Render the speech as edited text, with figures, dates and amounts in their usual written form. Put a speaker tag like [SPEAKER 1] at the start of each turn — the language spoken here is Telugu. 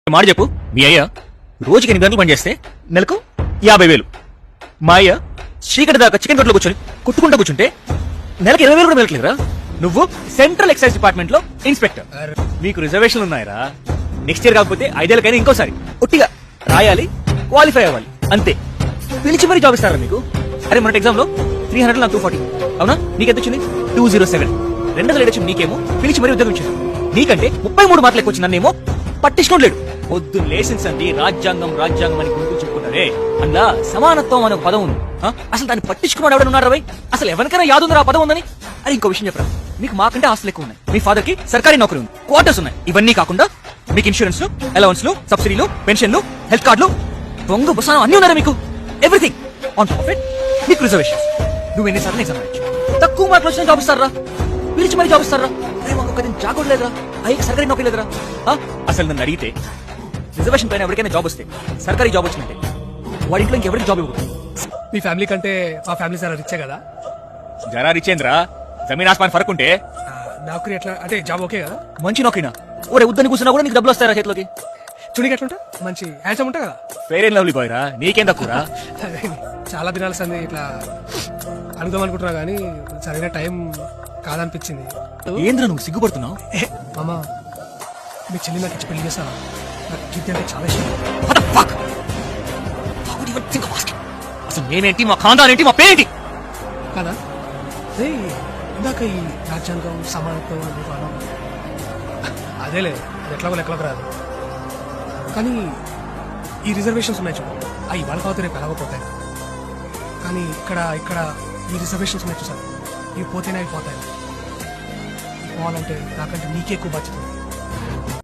[SPEAKER 1] మాట చెప్పు. మీ అయ్య రోజుకి 8 గంటలు పనిచేస్తే నెలకు 50,000. మా అయ్య చీకటి దాకా చికెన్ కొట్లో కూర్చొని కుట్టుకుంటూ కూర్చుంటే నెలకు 20,000 కూడా మిగలట్లేదురా. నువ్వు సెంట్రల్ ఎక్సైజ్ డిపార్ట్మెంట్ లో ఇన్స్పెక్టర్. మీకు రిజర్వేషన్లు ఉన్నాయరా. నెక్స్ట్ ఇయర్ కాకపోతే 5 ఏళ్ళకైనా ఇంకోసారి ఒట్టిగా రాయాలి, క్వాలిఫై అవ్వాలి అంతే. పిలిచి మరీ జాబ్ ఇస్తారా మీకు? అరే మన ఎగ్జామ్ లో 300 నాకు 240. అవునా? నీకెంత వచ్చింది? 207. 200 వచ్చింది నీకేమో, పిలిచి మరీ ఉద్యోగం ఇచ్చింది. నీకంటే 33 మార్కులు ఎక్కువ వచ్చింది, నన్నేమో పట్టించుకోలేడు. పొద్దు లేసింది రాజ్యాంగం రాజ్యాంగం అని గుర్తు చెప్పుకుంటారే, అందులో సమానత్వం అనే పదం ఉంది. అసలు దాన్ని పట్టించుకున్నాడు ఎవడన్నాడు రవై? అసలు ఎవరికైనా యాదుందిరా ఆ పదం ఉందని? అరే ఇంకో విషయం చెప్పరా, మీకు మాకంటే ఆస్తులు ఎక్కువ ఉన్నాయి. మీ ఫాదర్ కి సర్కారీ నౌకరీ ఉంది, క్వార్టర్స్ ఉన్నాయి. ఇవన్నీ కాకుండా మీకు ఇన్సూరెన్స్, అలవెన్స్లు, సబ్సిడీలు, పెన్షన్లు, హెల్త్ కార్డులు, దొంగ బుసానం అన్ని ఉన్నారా మీకు? Everything on top of it మీకు రిజర్వేషన్. నువ్వు ఎన్నిసార్లు ఎగ్జామ్ రాయొచ్చు, తక్కువ మార్కులు వచ్చిన జాబ్ ఇస్తారా, పిలిచి మరీ జాబ్ ఇస్తారా? అరే మాకు ఒక జాబ్ లేదురా, అయ్యి సర్కారీ నౌకరీ లేదురా. అసలు నన్ను అడిగితే రిజర్వేషన్ పైన ఎవరికైనా జాబ్ వస్తే, సర్కారీ జాబ్ వచ్చినట్టే వాడి ఇంట్లో ఇంకెవరికి జాబ్ ఇవ్వదు.
[SPEAKER 2] మీ ఫ్యామిలీ కంటే మా ఫ్యామిలీ చాలా రిచ్చే కదా.
[SPEAKER 1] జరా రిచేంద్ర, జమీన్ ఆస్మాన్ ఫరక్ ఉంటే.
[SPEAKER 2] నౌకరీ ఎట్లా అంటే జాబ్ ఓకే కదా?
[SPEAKER 1] మంచి నౌకరీనా? ఒరే ఉద్దని కూర్చున్నా కూడా నీకు డబ్బులు వస్తారా చేతిలోకి?
[SPEAKER 2] చుడికి ఎట్లుంటా, మంచి హ్యాండ్సమ్ ఉంటా కదా.
[SPEAKER 1] ఫెయిర్ అండ్ లవ్లీ బాయ్ రా, నీకేం తక్కువరా?
[SPEAKER 2] చాలా దినాల సంది ఇట్లా అనుదాం అనుకుంటున్నా గానీ సరైన టైం కాదనిపించింది.
[SPEAKER 1] ఏంద్ర నువ్వు సిగ్గుపడుతున్నావు?
[SPEAKER 2] మామ మీ చెల్లి నాకు ఇచ్చి పెళ్లి చేస్తా. నాకు కీర్తి అంటే చాలా ఇష్టం.
[SPEAKER 1] అసలు మేమేంటి, మా ఖాందాన్ ఏంటి, మా పేరేంటి
[SPEAKER 2] కదా? ఇందాక ఈ రాజ్యాంగం సమానత్వం అన్నాం, అదేలే అది ఎట్లాగో లెక్కలోకి రాదు. కానీ ఈ రిజర్వేషన్స్ ఉన్నాయి చూడు, అవి వాళ్ళ కావచ్చు రేపు ఎలాగోపోతాయి. కానీ ఇక్కడ ఇక్కడ ఈ రిజర్వేషన్స్ ఉన్నాయి చూసారు, ఇవి పోతేనే అవి పోతాయి. పోవాలంటే నాకంటే నీకే ఎక్కువ బాధ్యత ఉంది.